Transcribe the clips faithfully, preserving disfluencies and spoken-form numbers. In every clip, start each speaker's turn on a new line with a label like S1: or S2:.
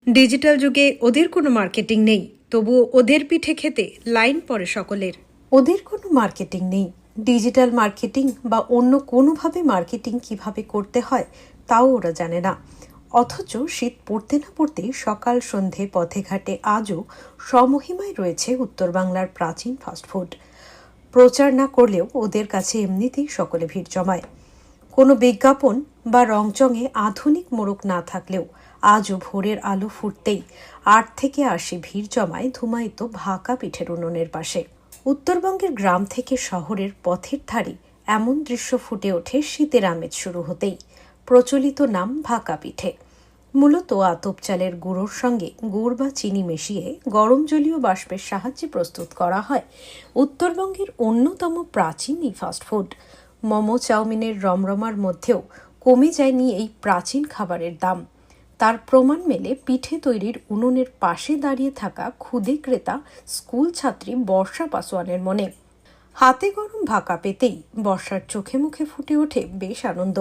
S1: Digital যুগে ওদের কোনো মার্কেটিং নেই, তবুও ওদের পিঠে খেতে লাইন পড়ে সকলের। ওদের কোনো মার্কেটিং নেই, ডিজিটাল মার্কেটিং বা অন্য কোনোভাবে মার্কেটিং কিভাবে করতে হয় তাও ওরা জানে না। অথচ শীত পড়তে না পড়তেই সকাল সন্ধে পথে ঘাটে আজও স্বমহিমায় রয়েছে উত্তর বাংলার প্রাচীন ফাস্টফুড। প্রচার না করলেও ওদের কাছে এমনিতেই সকলে ভিড় জমায়। কোনো বিজ্ঞাপন বা রংচঙে আধুনিক মোড়ক না থাকলেও আজও ভোরের আলো ফুটতেই আট থেকে আশি ভিড় জমায় ধুমায়িত ভাকা পিঠের উনুনের পাশে। উত্তরবঙ্গের গ্রাম থেকে শহরের পথের ধারে এমন দৃশ্য ফুটে ওঠে শীতের আমেজ শুরু হতেই। প্রচলিত নাম ভাকা পিঠে। মূলত আতপ চালের গুঁড়োর সঙ্গে গুড় বা চিনি মিশিয়ে গরম জলীয় বাষ্পের সাহায্যে প্রস্তুত করা হয় উত্তরবঙ্গের অন্যতম প্রাচীন এই ফাস্টফুড। মোমো চাউমিনের রমরমার মধ্যেও কমে যায়নি এই প্রাচীন খাবারের দাম। তার প্রমাণ মেলে পিঠে তৈরির উনুনের পাশে দাঁড়িয়ে থাকা ক্ষুদে ক্রেতা স্কুল ছাত্রী বর্ষা পাসোয়ানের মনে। হাতে গরম ভাকা পেতেই বর্ষার চোখে মুখে ফুটে ওঠে বেশ আনন্দ।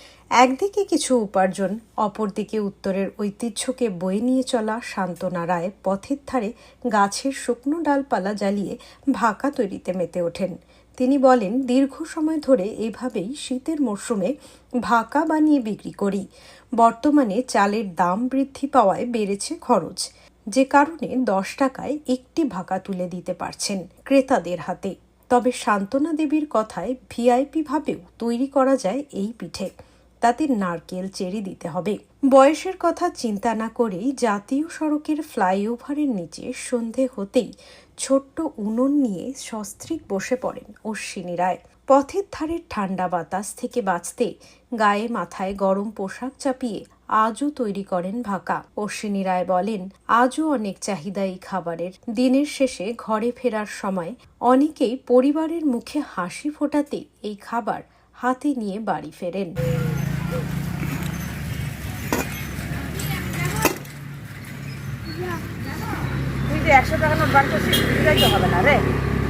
S1: একদিকে কিছু উপার্জন, অপরদিকে উত্তরের ঐতিহ্যকে বয়ে নিয়ে চলা সান্ত্বনা রায় পথের ধারে গাছের শুকনো ডালপালা জ্বালিয়ে ভাকা তৈরিতে মেতে ওঠেন। তিনি বলেন, দীর্ঘ সময় ধরে এভাবেই শীতের মরশুমে ভাকা বানিয়ে বিক্রি করি। বর্তমানে চালের দাম বৃদ্ধি পাওয়ায় বেড়েছে খরচ, যে কারণে দশ টাকায় একটি ভাকা তুলে দিতে পারছেন ক্রেতাদের হাতে। তবে সান্ত্বনা দেবীর কথায় ভিআইপি ভাবেও তৈরি করা যায় এই পিঠে। তাতে নারকেল চেরি দিতে হবে। বয়সের কথা চিন্তা না করেই জাতীয় সড়কের ফ্লাইওভারের নিচে সন্ধে হতেই ছোট্ট উনুন নিয়ে সস্ত্রীক বসে পড়েন অশ্বিনী রায়। পথের ধারের ঠান্ডা বাতাস থেকে বাঁচতে গায়ে মাথায় গরম পোশাক চাপিয়ে আজও তৈরি করেন ভাকা। অশ্বিনী রায় বলেন, আজও অনেক চাহিদা এই খাবারের। দিনের শেষে ঘরে ফেরার সময় অনেকেই পরিবারের মুখে হাসি ফোটাতে এই খাবার হাতে নিয়ে বাড়ি ফেরেন।
S2: একশো টাকা নোট বার করছিস, তো হবে না রে।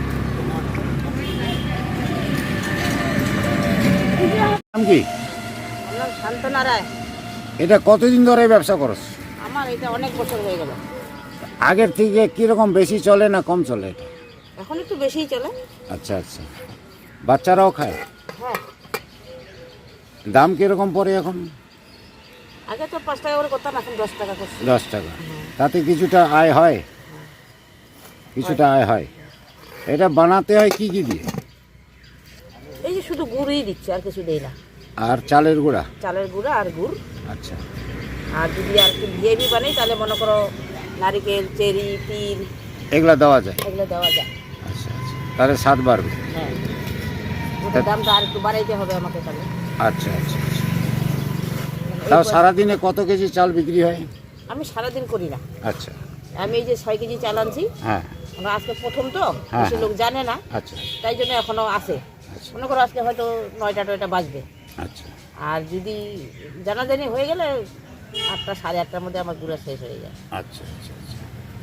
S3: কি
S2: সান্ত্বনা রায়।
S3: এটা কতদিন ধরে ব্যবসা করছ?
S2: আমার এটা অনেক বছর হয়ে গেল।
S3: আগের থেকে কিরকম বেশি চলে না কম চলে?
S2: এখন একটু বেশিই চলে।
S3: আচ্ছা আচ্ছা, বাচ্চারাও খায়?
S2: হ্যাঁ।
S3: দাম কিরকম পড়ে এখন?
S2: আগে তো পাঁচ টাকা করে করতাম, এখন দশ টাকা করছি।
S3: দশ টাকা। তাতে কিছুটা আয় হয়? কিছুটা আয় হয়। এটা বানাতে হয় কি কি দিয়ে?
S2: এই যে শুধু গুড়ই দিচ্ছে, আর কিছু দেই না।
S3: আর চালের গুঁড়া?
S2: চালের গুঁড়া আর গুড়।
S3: আচ্ছা।
S2: আর যদি আর একটু ভিআইপি বানাই তাহলে মনে করো নারিকেল, চেরি, তিল
S3: এগুলা দেওয়া যায়?
S2: এগুলো দেওয়া যায়।
S3: আচ্ছা আচ্ছা, তাহলে স্বাদ বাড়বে।
S2: হ্যাঁ, ওটার দামটা আর একটু বাড়াইতে হবে আমাকে তাহলে।
S3: আচ্ছা আচ্ছা আচ্ছা। তাও সারাদিনে কত কেজি চাল বিক্রি হয়?
S2: আমি সারাদিন করি না।
S3: আচ্ছা।
S2: আমি এই যে ছয় কেজি চাল আনছি।
S3: হ্যাঁ।
S2: আজকে প্রথম তো,
S3: হ্যাঁ,
S2: বেশি লোক জানে না।
S3: আচ্ছা।
S2: তাই জন্য এখনো আছে। মনে করো আজকে হয়তো নয়টা টয়টা বাজবে।
S3: আচ্ছা।
S2: আর যদি জানাজানি হয়ে গেলে আটটা সাড়ে আটটার মধ্যে আমার গুঁড়া শেষ হয়ে যায়।
S3: আচ্ছা আচ্ছা আচ্ছা।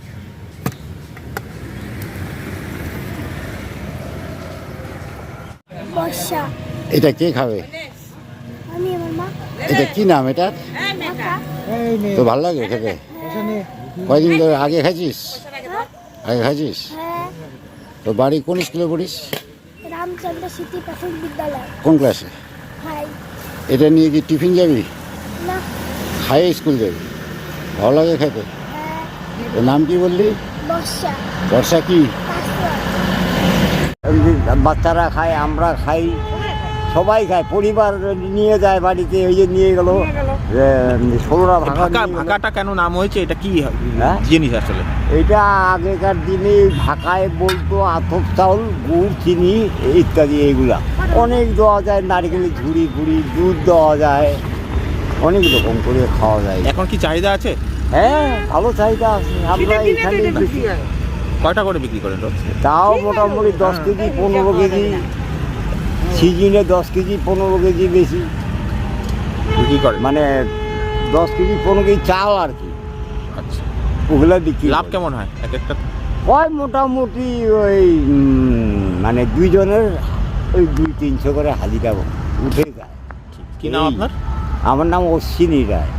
S4: বর্ষা।
S3: এটা কে খাবে?
S4: আমি আমার মা।
S3: এটা কি নাম এটা? তো ভালো লাগে খেতে? কয়দিন ধরে আগে খাইছিস? আগে খাইছিস?
S4: হ্যাঁ।
S3: তো বাড়ি কোন স্কুলে পড়িস?
S4: রামচন্দ্র স্মৃতি প্রাথমিক বিদ্যালয়।
S3: কোন ক্লাসে?
S4: হাই।
S3: এটা নিয়ে কি টিফিন যাবি?
S4: না।
S3: খাইয়ে স্কুল যাবি? ভালো লাগে খেতে?
S4: হ্যাঁ।
S3: তোর নাম কি বললি?
S4: বর্ষা।
S3: বর্ষা কি?
S4: পাঁচুয়া।
S3: বাচ্চারা খায়, আমরা খাই, সবাই খায়, পরিবার নিয়ে যায় বাড়িতে। ওই যে নিয়ে গেল ষোলোটা ভাকা।
S5: ভাকাটা কেন নাম হয়েছে, এটা কি
S3: হ্যাঁ?
S5: জিনিস আসলে?
S3: এটা আগেকার দিনে ভাকায় বলতো আতপ চাউল, গুড়, চিনি ইত্যাদি। এইগুলা অনেক দেওয়া যায়, নারকেলের ঝুড়ি ফুড়ি, দুধ দেওয়া যায়, অনেক রকম করে খাওয়া যায়।
S5: এখন কি চাহিদা আছে?
S3: হ্যাঁ, ভালো চাহিদা আছে। আমরা এখানে বেশি
S5: কয়টা করে বিক্রি করেন রোজ?
S3: তাও মোটামুটি দশ কেজি পনেরো কেজি, সিজনে দশ কেজি পনেরো কেজি বেশি
S5: বিক্রি করেন?
S3: মানে দশ কেজি পনেরো কেজি চাল আর কি।
S5: আচ্ছা।
S3: ওগুলা বিক্রি।
S5: লাভ কেমন হয় এক একটা?
S3: হয় মোটামুটি ওই মানে দুইজনের ওই দুই তিনশো করে হাজিরা উঠে যায়।
S5: কি নাম আপনার?
S3: আমার নাম অশ্বিনী রায়।